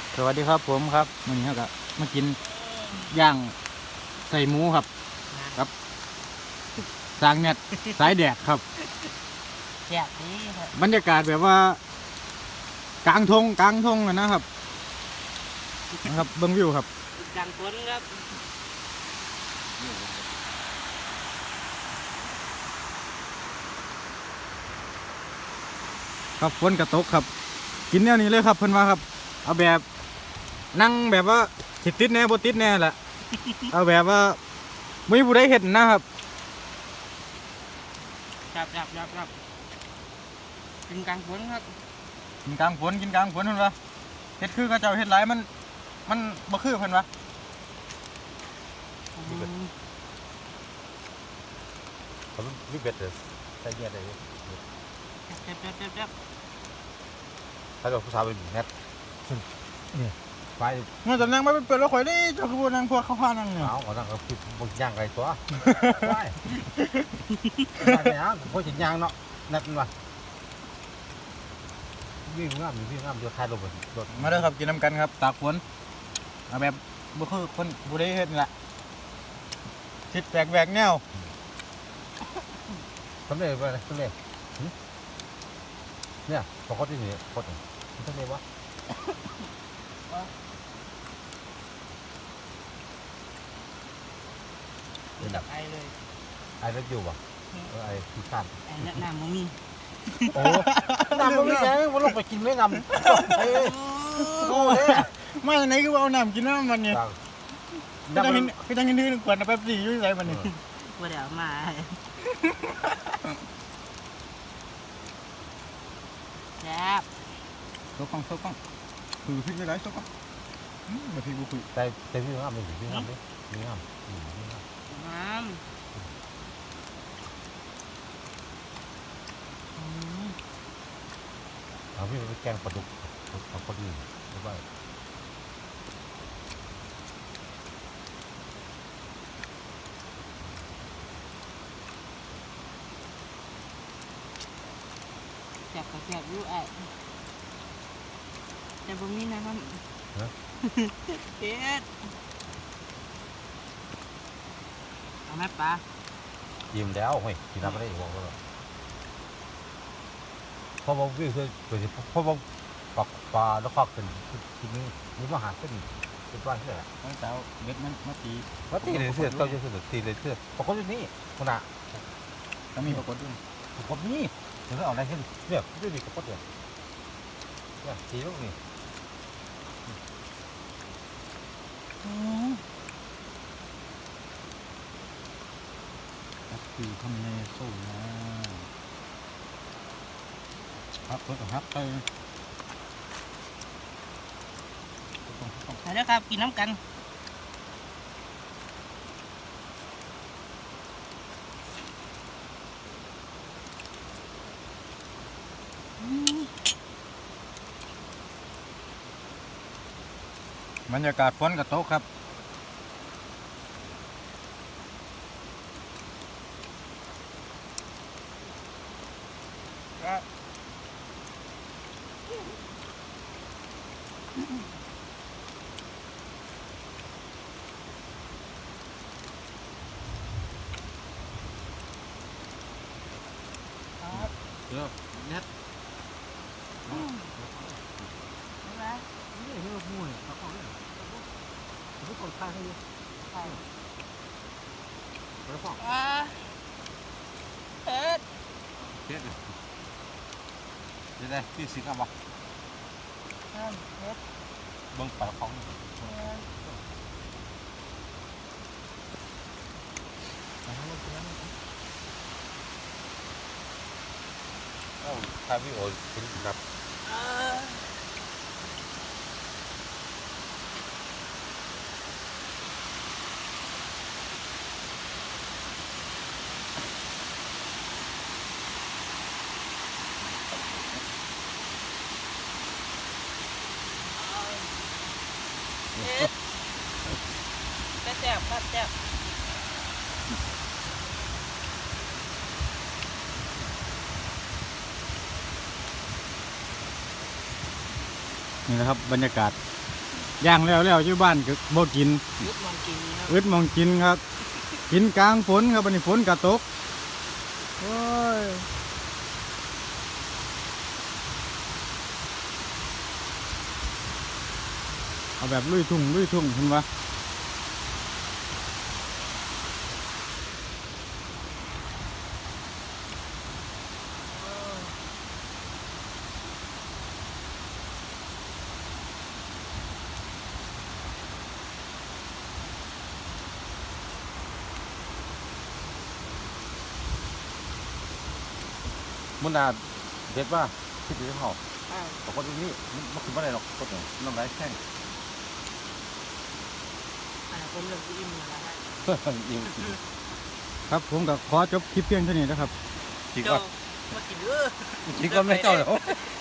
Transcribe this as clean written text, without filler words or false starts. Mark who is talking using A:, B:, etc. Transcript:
A: สวัสดีครับผมครับวันนี้ครับมากินย่างใส่หมูครับครับสร้างเน็ตสายแดดครับ
B: แซ่บดีครับ
A: บรรยากาศแบบว่ากลางทงนะครับเบิ้งวิวครับ
B: กลางฝนครับ
A: ครับฝนกระตกครับกินแนวนี้เลยครับเพิ่นว่าครับเอาแบบนั่งแบบว่าติดแน่บ่ติดแน่แหละเอาแบบว่าไม่มีผู้ใดเห็นนะครับ
B: ครับกินกลางฝนครับ
A: กินกลางฝนเพิ่นว่าเฮ็ดคือเขาเจ้าเฮ็ดหลายมันบ่คือเพิ่นว่า
C: เขาลูกเบ็ดเลยใส่เงี้ยได้เลย
B: แซ่บ
C: ถ้าเราผู้สาวเป็นแนทนี่ไฟ
A: เมื่อตอนนั่งไม่เป็นแล้วข่อยนี่เจ้าคือบ่นั่งพวกเขาพานั่งเนี่ย
C: เอาเขานั่งเขาคิดบางอย่างไรตัวไฟเนี่ยพวกจิตยางเนาะแนทมันวะวิ่งงามเดี๋ยวคลายลงไปรถ
A: มาเด้อครับกินน้ำกันครับตากฝนเอาแบบบ่คือคนผู้ใดเฮ็ดนี่แหละคิดแปลกแนว
C: สำเร็จไปเลยสำเร็จเนี่ยพอเขาที่นี่เขาถึงสำเร็จวะ
B: ดับไอเลย
C: ไอ้รถอยู่วะไอ้ที่ข้าม
B: ไอน้ำมันมี
C: โอ้น้ำมันไม่แข็งมันลงไปกินไม่นำโอ้ย
A: มาจากไหนคือว่าเอาน้ำกินน้ำมันนี่คือจังเห็นนึงขวดน้ำแป๊บซี่อยู่ไสมันนี่
B: ว่าเดี๋ยวมาแซ่บ
A: โซกล้องคือพริกได้หลายโซกล้องบ่พริกบ่คือ
C: แต่พี่งามเลยพี่งามเลยพี่งาม
B: น้ำ
C: เอาพี่ไปแกงปลาดุกเอาปลาดุกหรือว่า
B: แซ่บอยู่ไอแต่บ่มีนะครับเด็ดเอาไหมปลา
C: ยิ้มแล้วเฮ้ยกินน้ำไม่ได้อีกบอกแล้วเพราะว่าวิ่งคือเพราะว่าปลาแล้วควักเป็นทีนี้นี่มาหาเป็นบ้านเสื้อ
A: ตั้งแต่เม็ดมันมาตี
C: ว่าตีเลยเสื้อเจ้าเสื้อตีเลยเสื้อปรากฏอยู่นี่คนน่ะ
A: ก็มีปรากฏด้วย
C: ปรากฏนี่เดี๋ยวเอาอะไรขึ้นเนี่ยไม่ได้ดีกับปรากฏเลยเนี่ยตีลูกนี่
A: คือทำในโซ่นะครับเพิ่นก็ฮักไป
B: ไปแล้วครับกินน้ำกัน
A: บรรยากาศฝนกระตกครับเดี๋ยวเน็ต
C: นี่เรื่องมวยเขาเขาเนี่ยไม่กดค่าให้เยอะแล้วฟ้อง
B: เอ็ด
C: เด็ดเลยพี่สิครับวะ
B: เอ็ด
C: เบิ้งปลาของเอ้าถ้าพี่โอ้คุณนับ
B: แซ่บครับแซ่บ
A: นี่นะครับบรรยากาศย่างแล้วอยู่บ้านก็บ่กิน
B: ยุดมองกินครับ
A: อึดมองกินครับ กินกลางฝนครับวันนี้ฝนก็ตกโอ้ยเอาแบบลุยทุ่งเห็นปะ
C: มันน่าเด็ดว่าคิดถึงเขา
B: อ่า
C: แต่คนนี้มันคือไม่ได้หรอกคนหนึ่งน้ำลายแข้ง
B: ผมเริ่มอิ่มแล้วนะฮะ
C: ยิง
A: ครับผมก็ขอจบคลิปเพียงเท่านี้นะครับ
C: จริง
B: เจ้า
C: ว่า
B: มากินเด้อ
C: จริงว่าไม่เจ้าเหรอ